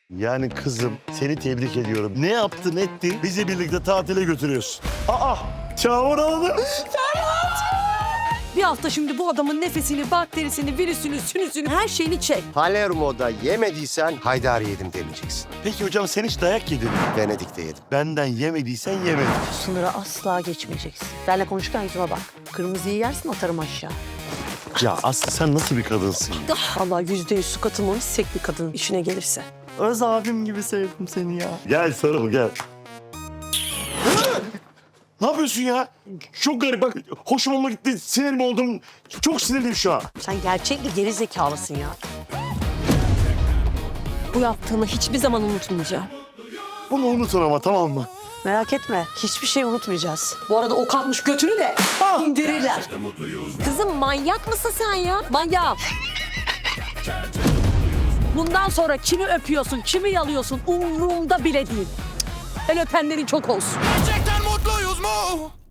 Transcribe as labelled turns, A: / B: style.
A: Yani kızım seni tebrik ediyorum. Ne yaptın ettin bizi birlikte tatile götürüyorsun. Aa Çağmur aldı.
B: Bir hafta şimdi bu adamın nefesini, bakterisini, virüsünü, sünüsünü, her şeyini çek.
C: Palermo'da yemediysen Haydari yedim demeyeceksin.
A: Peki hocam sen hiç dayak yedin mi?
C: Venedik'te yedim.
A: Benden yemediysen yemedin.
B: Sınırı asla geçmeyeceksin. Benle konuşurken yüzüme bak. Kırmızıyı yersin atarım aşağı.
A: Ya Aslı sen nasıl bir kadınsın?
B: Vallahi %100 su katılmamış sek bir kadın işine gelirse.
D: Öz abim gibi sevdim seni ya.
A: Gel sarıl gel. Ne yapıyorsun ya? Çok garip bak. Hoşuma olma gitti. Sinirim oldum. Çok sinirliyim şu an.
B: Sen gerçek bir geri zekalısın ya. Bu yaptığını hiçbir zaman unutmayacağım.
A: Bunu unutun ama tamam mı?
B: Merak etme, hiçbir şey unutmayacağız. Bu arada o kalkmış götünü de indirirler. Kızım manyak mısın sen ya? Manyak. Bundan sonra kimi öpüyorsun, kimi yalıyorsun umurumda bile değil. El öpenlerin çok olsun.
E: Gerçekten mutluyuz mu?